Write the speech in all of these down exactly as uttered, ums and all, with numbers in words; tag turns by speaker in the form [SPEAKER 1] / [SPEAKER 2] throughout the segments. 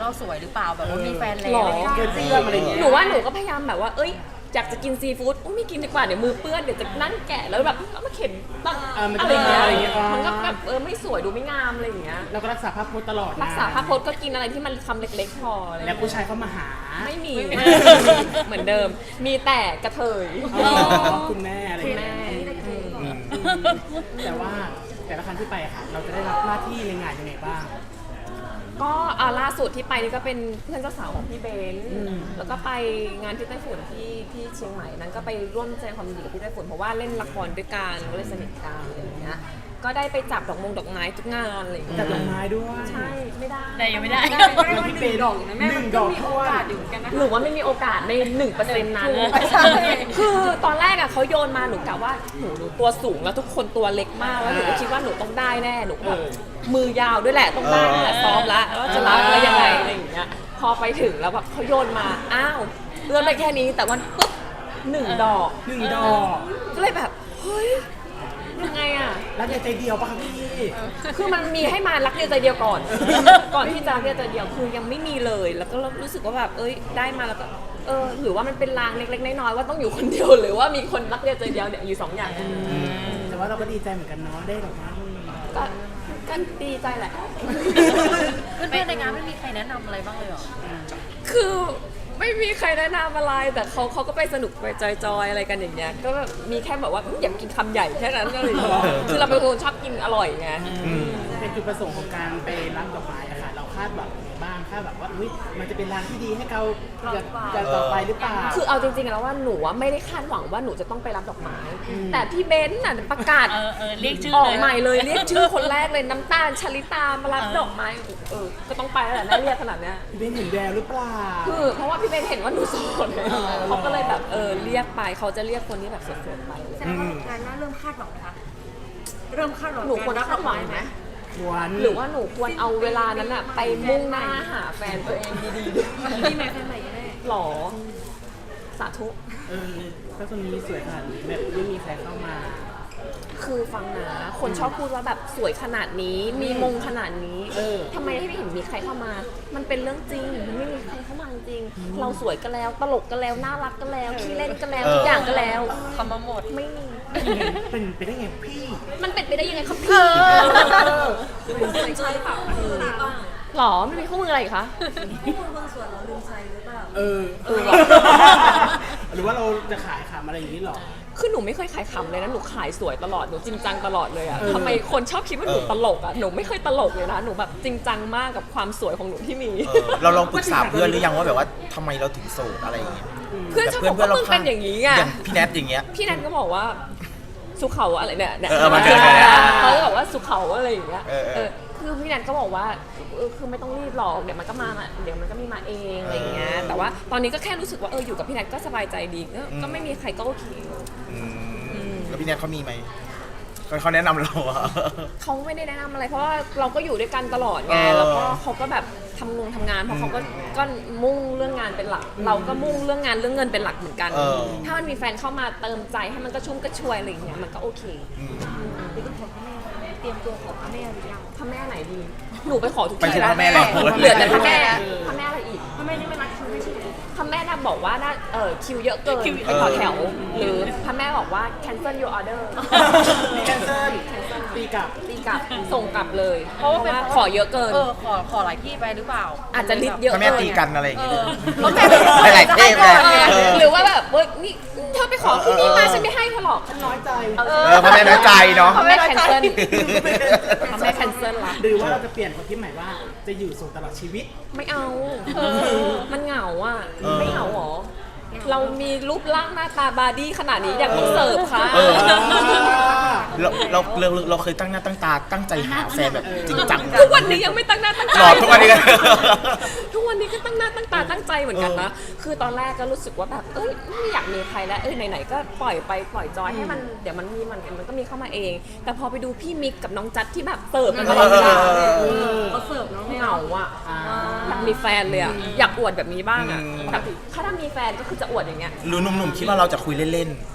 [SPEAKER 1] เราสวยหรือเปล่าแบบว่ามีแฟนแล้
[SPEAKER 2] หร
[SPEAKER 1] ว
[SPEAKER 2] อ
[SPEAKER 1] ไม่ได้
[SPEAKER 3] เกินเชื่ออะไรอย่างเงี้ย
[SPEAKER 2] หนูว่าหนูก็พยายามแบบว่าเอ้ยอยากจะกินซีฟู้ดอุ้ยไม่กินดีกว่าเดี๋ยวมือเปื้อนเดี๋ยวจะนั่งแกะแล้วแบบเอามาเข็นตั้ง
[SPEAKER 3] เออมันจะ
[SPEAKER 2] อะไรอย่างเงี้ย
[SPEAKER 3] อะไรอย่างเงี้ยอ๋อ
[SPEAKER 2] มันก็แบบเออไม่สวยดูไม่งามอะไรอย่างเงี้ย
[SPEAKER 3] เราก็รักษาภาพพจน์ตลอดนะ
[SPEAKER 2] รักษาภาพพจน์ก็กินอะไรที่มันคำเล็กๆพออะไรอย่าง
[SPEAKER 3] แล้ว
[SPEAKER 2] เงี้ย
[SPEAKER 3] ผู้ชายเข้ามาหา
[SPEAKER 2] ไม่มี เหมือนเดิม มีแต่กระเทย
[SPEAKER 3] อ๋อคุณแม่อะไรอย่าง
[SPEAKER 2] แม่
[SPEAKER 3] เงี้ย
[SPEAKER 2] อืม
[SPEAKER 3] แต่ว่าแต่ละครั้งที่ไปอะค่ะ เราจะได้รับหน้าที่ในงานยังไงบ้าง
[SPEAKER 2] ก็อ่าล่าสุดที่ไปนี่ก็เป็นเพื่อนเจ้าสาวของพี่เบนซ์
[SPEAKER 3] อืม
[SPEAKER 2] แล้วก็ไปงานที่ไต้ฝุ่นที่ที่เชียงใหม่นั้นก็ไปร่วมแสดงความยินดีกับพี่ไต้ฝุ่นเพราะว่าเล่นละครด้วยกันก็เลยสนิทกันอะไรอย่างเงี้ยก็ได้ไปจับดอกมงดอกไม้ทุกงานอะไรอย่างเงี้ย
[SPEAKER 3] จัดดอกไม้ด้วย
[SPEAKER 2] ใช่ไม่ได้
[SPEAKER 1] แต่ยังไม่ได้
[SPEAKER 3] เราพี่เปย์ดอกนะแม่หนึ่งดอกท้วน
[SPEAKER 2] หรือว่าไม่มีโอกาสในหนึ่งเปอร์เซ็นต์นั้นคือตอนแรกอะเขาโยนมาหนูกะว่าหนูหนูตัวสูงแล้วทุกคนตัวเล็กมากแล้วหนูก็คิดว่าหนูต้องได้แน่หนูก็แบบมือยาวด้วยแหละต้องได้นั่นแหละซ้อมละว่าจะรับแล้วยังไงอะไรอย่างเงี้ยพอไปถึงแล้วแบบเขาโยนมาอ้าวเลื่อนไปแค่นี้แต่วันปุ๊บหนึ่งดอก
[SPEAKER 3] หนึ่งดอก
[SPEAKER 2] ก็เลยแบบเฮ้ยยังไงอะ
[SPEAKER 3] รักในใจเดียวปะคะพี่
[SPEAKER 2] คือมันมีให้มารักเดียวใจเดียวก่อน ก่อนที่จะรักเดียวใจเดียวคือยังไม่มีเลย แล้วก็รู้สึกว่าแบบเอ้ยได้มาแล้วก็เออหรือว่ามันเป็นลางเล็กๆน้อยๆว่าต้องอยู่คนเดียวหรือว่ามีคนรักเดียวใจเดียวเนี่ยอยู่สองอย่าง
[SPEAKER 3] แต่ว่าเราก็ดีใจเหมือนกันเนาะได้ดอกไม้
[SPEAKER 2] ก็ก็ดีใจแหละ
[SPEAKER 1] เพื่อนๆในงานไม่มีใครแนะนำอะไรบ้างเลยเหรอ
[SPEAKER 2] คือไม่มีใครแนะนำอะไรแต่เขาเขาก็ไปสนุกไปจอยๆอะไรกันอย่างเงี้ยก็แบบมีแค่แบบว่าอยากกินคำใหญ่แค่นั้นก็เลยคือเราเป็นคนชอบกินอร่อยไง
[SPEAKER 3] เป็นจุดประสงค์ของการไปรับดอกไม้อะค่ะเราคาดหวังยังไงบ้างคาดหวังว่าอุ้ยมันจะเป็นร้านที่ดีให้เราจะจะต่อไปหรือเปล่า
[SPEAKER 2] คือเอาจริงๆแล้วว่าหนูอะไม่ได้คาดหวังว่าหนูจะต้องไปรับดอกไม้ แต่พี่เบนซ์น่ะประกาศ
[SPEAKER 1] เออเออเรียกชื่อ
[SPEAKER 2] ออก
[SPEAKER 1] เลย
[SPEAKER 2] ใหม่เลยเรียกชื่อคนแรกเลยน้ำตาลชลิตามารับ
[SPEAKER 1] เออ
[SPEAKER 2] ดอกไม้เออก็ต้องไปแล้วแหละแม่เรียกขนาดเนี้ย
[SPEAKER 3] พี่เบนเห็นแววหรือเปล่า
[SPEAKER 2] คือเพราะว่าพี่เบนซ์เห็นว่าหนูโสดเขาก็เลยแบบเออเรียกไปเขาจะเรียกคนที่แบบโสดๆไปเลย
[SPEAKER 4] แสดงว่างานหน้าเริ่มคาดหวังนะคะเริ่มคาดหวัง
[SPEAKER 2] หนูควรคาดหวังไหม
[SPEAKER 3] ควร
[SPEAKER 2] หรือว่าหนูควรเอาเวลานั้นอะไปมุ่งหน้าหาแฟนตัวเองดีๆด้วย
[SPEAKER 4] มีแม่แฟนใหม่แน่
[SPEAKER 2] หรอสาธุ
[SPEAKER 3] เออถ้าคนนี้สวยขนาดนี้แบบไม่มีใครเข้ามา
[SPEAKER 2] คือฟังนะ คนชอบพูดว่าแบบสวยขนาดนี้ มีมงขนาดนี้
[SPEAKER 3] เออ
[SPEAKER 2] ทำไมไม่เห็นมีใครเข้ามา มันเป็นเรื่องจริง มันไม่มีใครเข้ามาจริง เราสวยก็แล้ว ตลกก็แล้ว น่ารักก็แล้วขี้เล่นก็แล้ว ทุกอย่างก็แล้ว
[SPEAKER 1] คำมาหมด
[SPEAKER 2] ไม่มี
[SPEAKER 3] เป็นไปได้ไงพี่
[SPEAKER 2] มันเป็นไปได้ยังไงครับพี่
[SPEAKER 4] ลืมใช้เปล่าลืมใช้เปล่า
[SPEAKER 2] หรอไม่มีข้อมืออะไรอีกคะ
[SPEAKER 4] ที่คนคนสวยเราลืมใช้หรือเปล่า
[SPEAKER 3] เออ
[SPEAKER 2] เออ
[SPEAKER 3] หรือว่าเราจะขายขำอะไรอย่างนี้หรอ
[SPEAKER 2] คือหนูไม่เคยขายขำเลยนะ หนูขายสวยตลอด หนูจริงจังตลอดเลยอะ
[SPEAKER 3] เออ
[SPEAKER 2] ทำไมคนชอบคิดว่าหนูตลกอะหนูไม่เคยตลกเลยนะ หนูแบบจริงจังมากกับความสวยของหนูที่มี
[SPEAKER 5] เออเราลองปรึกษาเพื่อนหรือยังว่าแบบว่าทำไมเราถึงโสดอะไรอย่างเงี้ย
[SPEAKER 2] เพื่อนชอบบอกว่ามึงเป็นอย่างนี้ไง
[SPEAKER 5] อย่างพี่แนทอย่างเงี้ย
[SPEAKER 2] พี่แนนก็บอกว่าสุเขาอะไรเนี่ยเนี่ย
[SPEAKER 5] เออมาเจอกันนะ
[SPEAKER 2] เขาจะบอกว่าสุเขาอะไรอย่างเงี้ย
[SPEAKER 5] เออเออ
[SPEAKER 2] เออคือพี่แนนก็บอกว่าเออคือไม่ต้องรีบหรอกเดี๋ยวมันก็มาเดี๋ยวมันก็มีมาเองอะไรอย่างเงี้ยแต่ว่าตอนนี้ก็แค่รู้สึกว่าเอออยู่กับพี่แนนก็สบายใจดีก็ก็ไม่มีใครก็โอเค
[SPEAKER 5] อืมแล้วพี่แนทเขามีไหมเขาเขาแนะนำเราอะ
[SPEAKER 2] เขาไม่ได้แนะนำอะไรเพราะว่าเราก็อยู่ด้วยกันตลอดไง
[SPEAKER 5] เออ
[SPEAKER 2] แล้วก็เขาก็แบบทำงงทำงานเพราะเขาก็ก็มุ่งเรื่องงานเป็นหลัก เราก็มุ่งเรื่องงานเรื่องเงินเป็นหลักเหมือนกัน
[SPEAKER 5] เออ
[SPEAKER 2] ถ้ามันมีแฟนเข้ามาเติมใจให้มันกระชุ่มกระชวยอะไรอย่างเงี้ยมันก็โอเค
[SPEAKER 5] อืม
[SPEAKER 4] หรือต้องขอพระแม่เตรียมตัวขอพระแม่หรือยัง
[SPEAKER 2] พระแม่ไหนดี หนูไปขอทุก
[SPEAKER 5] ไป
[SPEAKER 2] ที่
[SPEAKER 5] ถึง
[SPEAKER 2] แล้ว
[SPEAKER 5] พระแม่แล้ว
[SPEAKER 2] เหลือแต่พระแม่พระแม่อะไรอีก
[SPEAKER 4] พระแม่นี่ไม่รักคิวไม่ใช่เหรอ
[SPEAKER 2] พระแม่น่ะบอกว่าน่าเออคิวเยอะเกินไปต่อแถว หรือพระแม่บอกว่า cancel your order
[SPEAKER 3] มีแคนเซิลตีกลับ
[SPEAKER 2] ตีกลับส่งกลับเลย เพราะว่าขอเยอะเกิน
[SPEAKER 1] เออขอขอหลายที่ไปหรือเปล่า
[SPEAKER 2] อาจจะลิสต์เยอะ
[SPEAKER 5] พระแม่
[SPEAKER 2] เกิน
[SPEAKER 5] ตีกันอะไรอย่างเงี้ย
[SPEAKER 1] เพราะแม่
[SPEAKER 5] หลายๆเทพเลยเออ
[SPEAKER 2] หรือว่าแบบเว้ยนี่เธอไปขอที่นี่มาฉันไม่ให้เธอหรอก
[SPEAKER 3] น้อยใจ
[SPEAKER 2] เอ
[SPEAKER 5] เออพระแม่น้อยใจเนาะ
[SPEAKER 2] พระแม่ cancel พระแม่ cancel ละ
[SPEAKER 3] หรือว่าเราจะเปลี่ยนคนที่ใหม่ว่าจะอยู่โสดตลอดชีวิต
[SPEAKER 2] ไม่เอา มันเหงาอ่ะ
[SPEAKER 5] เออ
[SPEAKER 2] ไม่เหงาหรอ เรามีรูปร่างหน้าตาบาร์ดี้ขนาดนี้อยากต้องเสิร์ฟค่ะ
[SPEAKER 5] เออ เราเราเราเราเคยตั้งหน้าตั้งตาตั้งใจหาแฟนแบบจริงจัง
[SPEAKER 2] ทุกวันนี้ยังไม่ตั้งหน้าตั้ง
[SPEAKER 5] ห
[SPEAKER 2] ตา
[SPEAKER 5] ลอดทุกวันนี้กัน
[SPEAKER 2] ทุกวันนี้ก็ตั้งหน้าตั้งตาตั้งใจเหมือนกันนะ คือตอนแรกก็รู้สึกว่าแบบเอ้ยไม่อยากมีใครแล้ว เอ้ยไหนๆก็ปล่อยไปปล่อยจอยให้มันเดี๋ยวมันมีมันมันก็มีเข้ามาเอง แต่พอไปดูพี่มิกกับน้องจัดที่แบบเสิร์ฟกันตลอดเวลา
[SPEAKER 5] เออ
[SPEAKER 2] เออ
[SPEAKER 4] เขาเสิร์ฟเนาะ
[SPEAKER 2] เหงาอ่ะ
[SPEAKER 3] อ่า
[SPEAKER 2] อยากมีแฟนเลยอ่ะ อยากอวดแบบนี้บ้างอ่ะ
[SPEAKER 5] อืม
[SPEAKER 2] แบบถ้าถ้ามีแฟนก็คือจะอวดอย่างเงี้ย
[SPEAKER 5] หรือหนุ่มๆคิดว่าเราจะคุยเล่น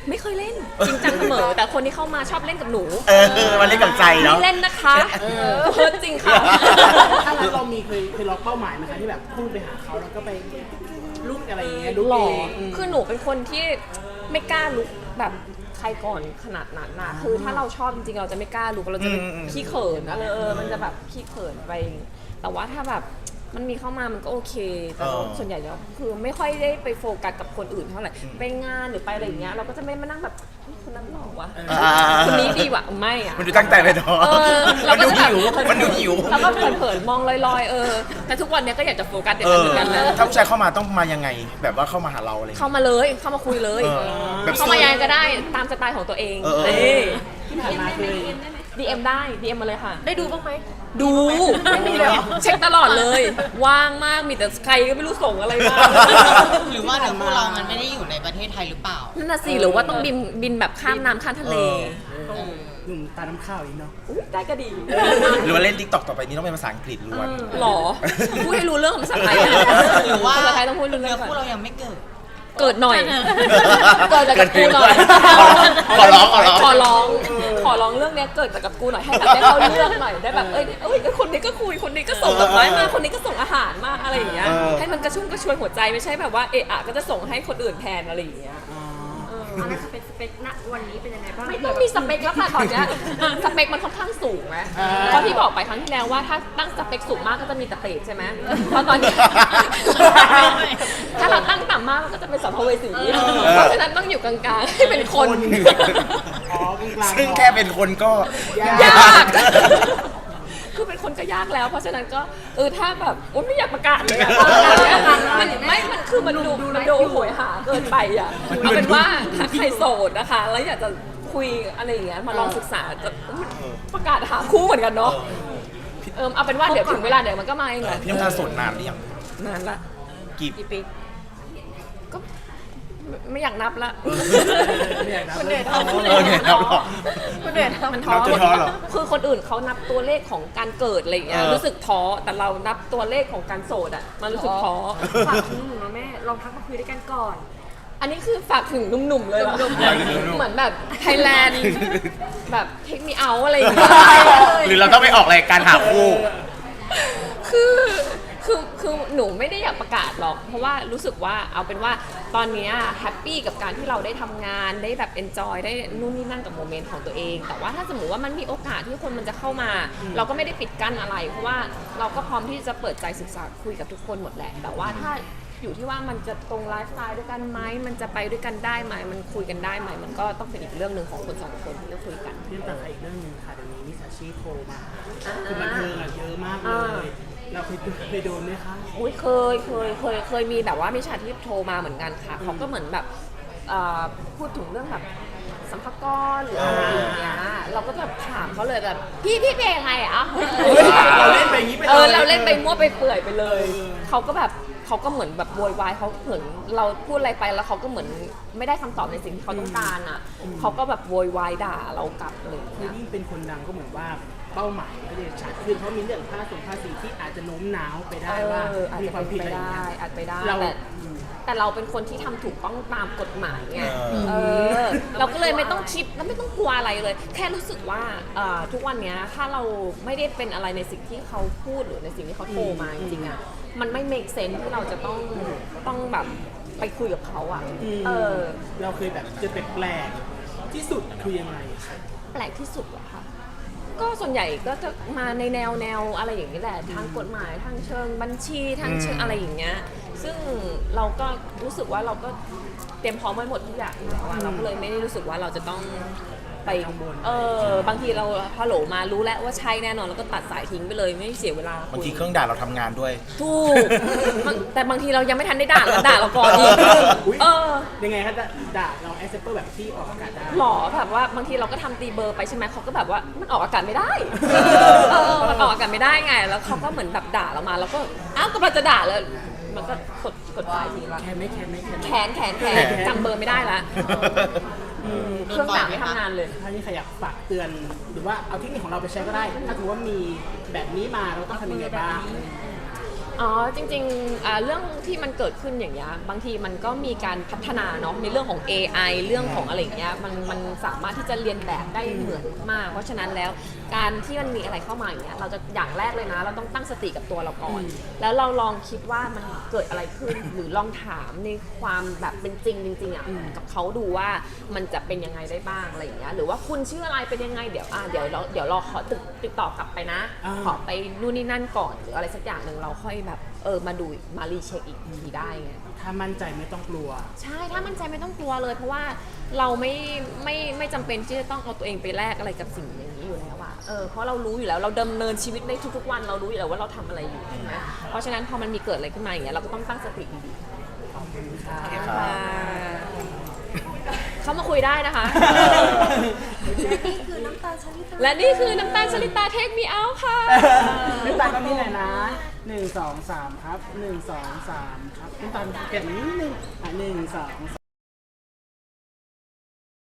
[SPEAKER 2] ไม่เคยเล่นจริงจังเสมอ แต่คนที่เข้ามาชอบเล่นกับหนู
[SPEAKER 5] เออมันเล่นกับใจเนาะ
[SPEAKER 2] ไม่เล่นนะคะเพิร์ดจริงค่ะ
[SPEAKER 3] ถ้างั้นเรามีเคยเคยล็อกเป้าหมายไหมคะที่แบบพุ่งไปหาเขาแล้วก็ไปลุกอะไรอย่างเงี้ยลุก
[SPEAKER 2] หล่อ
[SPEAKER 3] เองอืม
[SPEAKER 2] คือหนูเป็นคนที่ไม่กล้าลุกแบบใครก่อนขนาดนั้นนะคือถ้าเราชอบจริงๆเราจะไม่กล้าลุกเราจะเป็น
[SPEAKER 5] อืมอืม
[SPEAKER 2] ขี้เขินอะไรเออมันจะแบบขี้เขินไป แต่ว่าถ้าแบบมันมีเข้ามามันก็โอเค แต่ว่าส่วนใหญ่แล้วคือไม่ค่อยได้ไปโฟกัสกับคนอื่นเท่าไหร่ไปงานหรือไปอะไรอย่างเงี้ยเราก็จะไม่มานั่งแบบเฮ้ยคนนั้นหล่อวะ
[SPEAKER 5] อ่า
[SPEAKER 2] คนนี้ดีว่ะไม่อะ
[SPEAKER 5] มันดูตั้งใจไปเนาะ
[SPEAKER 2] เออ
[SPEAKER 5] มันดู
[SPEAKER 2] เราก็จะแบบ
[SPEAKER 5] หิวมันดูหิว
[SPEAKER 2] แล้วก็เผินๆมองลอยๆเออแต่ทุกวันเนี้ยก็อยากจะโฟกัสอย่าง
[SPEAKER 5] เอ
[SPEAKER 2] นั้น
[SPEAKER 5] อ
[SPEAKER 2] เหมือนกันนะ
[SPEAKER 5] ถ้าผู้ชายเข้ามาต้องมายังไง แบบว่าเข้ามาหาเราอะไรอย่าง
[SPEAKER 2] เข้า
[SPEAKER 5] เงี้ย
[SPEAKER 2] มาเลยเข้ามาคุยเลย
[SPEAKER 5] เออแบบ
[SPEAKER 2] เข้ามายังไงก็ได้ตามสไตล์ของตัวเอง
[SPEAKER 5] เออเออ
[SPEAKER 2] นี่
[SPEAKER 3] ที่ผ่านมาเคย
[SPEAKER 2] ดี เอ็ม ได้ ดี เอ็ม มาเลยค่ะ
[SPEAKER 1] ได้ดูบ้างไหม
[SPEAKER 2] ดูไม่มีเลยเช็คตลอดเลย ว่างมากมีแต่ใครก็ไม่รู้ส่งอะไรมา
[SPEAKER 6] หรือว่าเดี๋ยวพวกเรามันไม่ได้อยู่ในประเทศไทยหรือเปล่า
[SPEAKER 2] นั่นน่ะสิหรือว่าต้องบินบินแบบข้ามน้ำข้ามทะเล
[SPEAKER 5] เออ
[SPEAKER 3] หนุ่มตาน้ำข้าวอีกเนาะ
[SPEAKER 2] อุ๊ยได้ก็ดี
[SPEAKER 5] หรือว่าเล่นทิกตอกต่อไปนี้ต้องเป็นภาษาอังกฤษล้วน
[SPEAKER 2] หรอพูดให้รู้เรื่องภาษาไทยอะ
[SPEAKER 6] หรือว่า
[SPEAKER 2] ภาษาไทยต้องพูดรู้
[SPEAKER 6] เนื้
[SPEAKER 2] เรื่
[SPEAKER 6] อ
[SPEAKER 2] อง
[SPEAKER 6] คู่
[SPEAKER 2] ก่อน
[SPEAKER 6] เรายังไม่เกิด
[SPEAKER 2] เกิดหน่อย เกิดจากกับกูหน่อย
[SPEAKER 5] ขอร้องขอร้อง
[SPEAKER 2] ขอร้อง ขอร้องเรื่องเนี้ยเกิดจากกับกูหน่อยให้แบบได้เข้าเรื่องหน่อยได้แบบเอ้ยเอ้ยคนนี้ก็คุยคนนี้ก็ส่งดอกไม้มาคนนี้ก็ส่งอาหารมาอะไรอย่างเงี้ย
[SPEAKER 5] เออ
[SPEAKER 2] ให้มันกระชุ่มกระชวยหัวใจไม่ใช่แบบว่าเอะอะก็จะส่งให้คนอื่นแทนอะไรอย่างเงี้ย
[SPEAKER 4] อันนั้นสเปคสเปคณวันนี้เป็นยังไงบ้าง
[SPEAKER 2] ไม่ต้องมีสเปคแล้วค่ะตอนเนี้ยสเปคมันค่อนข้างสูงไหม
[SPEAKER 3] อ่า
[SPEAKER 2] เพราะที่บอกไปครั้งที่แล้วว่าถ้าตั้งสเปคสูงมากก็จะมีแต่เปรตใช่ไหมเพราะตอนนี้ ถ้าเราตั้งต่ำมากมันก็จะเป็นสัมภเวสีเพราะฉะนั้นต้องอยู่กลางๆให้เป็นคน
[SPEAKER 3] อ๋อกลางๆ
[SPEAKER 5] ซึ่งแค่เป็นคนก็
[SPEAKER 2] ยาก คือเป็นคนก็ยากแล้ว เพราะฉะนั้นก็เออถ้าแบบโอ๊ยไม่อยากประกาศเลยอะมันไม่มันคือมันดูมันดูโหยหาเกินไปอ่ะเอาเป็นว่าถ้าใครโสดนะคะ แล้วอยากจะคุยอะไรอย่างเงี้ยมาลองศึกษาจะประกาศหาคู่เหมือนกันเนาะเออเอาเป็นว่าเดี๋ยวถึงเวลาเดี๋ยวมันก็มาเองแหละ
[SPEAKER 5] พี่น้ำตาลโสดนานหรือยัง
[SPEAKER 2] นานละ
[SPEAKER 5] กี่
[SPEAKER 2] กี่ปีก็ไม่ไม่อยากนับละ
[SPEAKER 3] ไม่อยากนับ
[SPEAKER 2] คุณเดช
[SPEAKER 3] เออ
[SPEAKER 5] เออเนี่ยเราหรอ
[SPEAKER 2] คุณเดชมันท้อ
[SPEAKER 5] นับจนท้อเหรอ
[SPEAKER 2] คือคนอื่นเขานับตัวเลขของการเกิดอะไรอย่างเงี้ย
[SPEAKER 5] เออ
[SPEAKER 2] รู้สึกท้อแต่เรานับตัวเลขของการโสดอ่ะมันรู้สึกท้อ
[SPEAKER 4] ฝากถึงหนูนะแม่ลองทักมาคุยด้วยกันก่อน
[SPEAKER 2] อันนี้คือฝากถึงหนุ่มๆเลยเหรอ
[SPEAKER 5] หนุ่มๆ
[SPEAKER 2] เหมือนแบบไทยแลนด์แบบเทคมีเอาอะไรอย่างเงี้ย
[SPEAKER 5] หรือเราต้องไปออกรายการหาคู่
[SPEAKER 2] คือคือคือหนูไม่ได้อยากประกาศหรอก เพราะว่ารู้สึกว่าเอาเป็นว่าตอนเนี้แฮปปี้กับการที่เราได้ทำงานได้แบบเอนจอยได้นู่นนี่นั่นกับโมเมนต์ของตัวเอง แต่ว่าถ้าสมมติว่ามันมีโอกาสที่คนมันจะเข้ามา เราก็ไม่ได้ปิดกั้นอะไร เพราะว่าเราก็พร้อมที่จะเปิดใจศึกษาคุยกับทุกคนหมดแหละ แต่ว่าถ้าอยู่ที่ว่ามันจะตรงไลฟ์สไตล์ด้วยกันไหมมันจะไปด้วยกันได้ไหมมันคุยกันได้ไหมมันก็ต้องเป็นอีกเรื่องหนึ่งของคนสองคนที่จะคุยกัน
[SPEAKER 3] พี่น้ำตาลอีกเรื่องหนึงค่ะเดี๋ยวนี้มิจฉาชีพโทรมาคือบันเทิงอะเยอะมากเล
[SPEAKER 2] อ่า
[SPEAKER 3] ย เราเคยเคยโดนไหมคะ
[SPEAKER 2] อุ้ยเคยเคยเคยเคยมีแบบว่ามิจฉาชีพโทรมาเหมือนกันค่ะเขาก็เหมือนแบบเอ่อพูดถึงเรื่องแบบสัมภาระหรืออะไรอย่างเงี้ยเราก็แบบถามเขาเลยแบบพี่พี่เป็นยังไงอ่ะ
[SPEAKER 3] เราเล่นไปอย่างนี้ไปเลย
[SPEAKER 2] เออเราเล่นไปมั่วไปเปื่อยไปเลย
[SPEAKER 3] เออ
[SPEAKER 2] เขาก็แบบเขาก็เหมือนแบบโวยวายเขาเหมือนเราพูดอะไรไปแล้วเขาก็เหมือนไม่ได้คำตอบในสิ่งที่เขาต้องการอ่ะเขาก็แบบโวยวายด่าเรากลับอะไรอย่าง
[SPEAKER 3] คือ
[SPEAKER 2] เงี้ย
[SPEAKER 3] ยิ่งเป็นคนดังก็เหมือนว่าเป้าหมายก็จะชัดขึ้นเพราะมีเรื่องภาษีภาษีที่อาจจะโน้มน้าวไปได้ว่า
[SPEAKER 2] เอออาจ
[SPEAKER 3] มี
[SPEAKER 2] จะ
[SPEAKER 3] ความ
[SPEAKER 2] เป็น
[SPEAKER 3] ผิด
[SPEAKER 2] ไป
[SPEAKER 3] อะไรอย่าง
[SPEAKER 2] ได้
[SPEAKER 3] เงี้ย
[SPEAKER 2] อาจไปได้
[SPEAKER 3] เรา
[SPEAKER 2] แต่
[SPEAKER 3] อืม
[SPEAKER 2] แต่เราเป็นคนที่ทำถูกต้องตามกฎหมายไง
[SPEAKER 5] เออ
[SPEAKER 2] เออเราก็เลยไม่ต้องคิดแล้วไม่ต้องกลัวอะไรเลย แค่รู้สึกว่าเอ่อทุกวันเนี้ยถ้าเราไม่ได้เป็นอะไรในสิ่งที่เขาพูดหรือในสิ่งที่เขาโทรมาจริงๆอ่ะมันไม่ make sense ที่เราจะต้องต้องแบบไปคุยกับเขาอ่ะ
[SPEAKER 3] ม
[SPEAKER 2] เออ
[SPEAKER 3] เราเคยแบบเจอแปลกๆที่สุดคือยังไงคะ
[SPEAKER 2] แปลกที่สุดเหรอคะก็ส่วนใหญ่ก็จะมาในแนวแนวอะไรอย่างนี้แหละทางกฎหมายทางเชิงบัญชีทางเชิงอะไรอย่างเงี้ยซึ่งเราก็รู้สึกว่าเราก็เตรียมพร้อมไว้หมดทุกอย่างอยู่แล้วอะเราก็เลยไม่ได้รู้สึกว่าเราจะต้องไปเออบางทีเราฮัลโหลมารู้แล้วว่าใช่แน่นอนแล้วก็ตัดสายทิ้งไปเลยไม่เสียเวลา
[SPEAKER 5] บางทีเครื่องด่าเราทำงานด้วย
[SPEAKER 2] ถูกบางแต่บางทีเรายังไม่ทันได้ด่าแล้วด่าเราก่อนอีก
[SPEAKER 3] อุ๊ย
[SPEAKER 2] เออ
[SPEAKER 3] ยังไงคะจะด่าเราแอคเซปเปอร์แบบที่ออกอากาศได้
[SPEAKER 2] หรอแบบว่าบางทีเราก็ทำตีเบอร์ไปใช่ไหมเขาก็แบบว่ามันออกอากาศไม่ได้เออมันออกอากาศไม่ได้ไงแล้วเขาก็เหมือนแบบด่าเรามาแล้วก็อ้าวกำลังจะด่าเลยมันก็กดกดสายทิ้งละ
[SPEAKER 3] แคนไม่แคนไม่แคน
[SPEAKER 2] แขนแขนแขนจำเบอร์ไม่ได้ละเครื่องด่าไม่ทำงานเลย
[SPEAKER 3] ถ้าที่ใครอยากฝากเตือนหรือว่าเอาเทคนิคของเราไปใช้ก็ได้ ถ้าถือว่ามีแบบนี้มาเราต้องทำยังไงบ้าง
[SPEAKER 2] กอ๋อจริงๆอ่าเรื่องที่มันเกิดขึ้นอย่างเงี้ยบางทีมันก็มีการพัฒนาเนาะในเรื่องของ เอ ไอ เรื่องของอะไรอย่างเงี้ยมันมันสามารถที่จะเรียนแบบได้เหมือนมากเพราะฉะนั้นแล้วการที่มันมีอะไรเข้ามาอย่างเงี้ยเราจะอย่างแรกเลยนะ เราต้องตั้งสติกับตัวเราก่อน แล้วเราลองคิดว่ามันเกิดอะไรขึ้น หรือลองถามในความแบบเป็นจริงจริงๆอ่ะกับเขาดูว่ามันจะเป็นยังไงได้บ้างอะไรอย่างเงี้ยหรือว่าคุณชื่ออะไรเป็นยังไงเดี๋ยวอ่ะเดี๋ยวเราเดี๋ยวรอขอติดติดต่อกลับไปนะ
[SPEAKER 3] อ่า
[SPEAKER 2] ขอไปนู่นนี่นั่นก่อนหรืออะไรสักอย่างหนึ่งเราค่อยแบบเออมาดูมารีเช็คอีกทีได้ไง
[SPEAKER 3] ถ้ามั่นใจไม่ต้องกลัว
[SPEAKER 2] ใช่ถ้ามั่นใจไม่ต้องกลัวเลย เพราะว่าเราไม่ไม่ไม่จำเป็นที่จะต้องเอาตัวเองไปแลกอะไรกับสิ่งอย่างนี้อยู่แล้วอะเออเพราะเรารู้อยู่แล้วเราดำเนินชีวิตในทุกๆวันเรารู้อยู่แล้วว่าเราทำอะไรอยู่ใช่ไหมเพราะฉะนั้นพอมันมีเกิดอะไรขึ้นมาอย่างเงี้ยเราก็ต้องตั้งสติดีๆขอบคุณค่ะเขามาคุยได้นะคะ
[SPEAKER 4] นี่คือน้ำตาลชนิด
[SPEAKER 2] และนี่คือน้ำตาลชลิตาเทคมีเอาค่ะ
[SPEAKER 3] น้ำตาลตรงนี้หน่อยนะหนึ่งสองสามครับหนึ่งสองสามครับน้ำตาลเก็บนิดนึงอ่ะหนึ่งสองส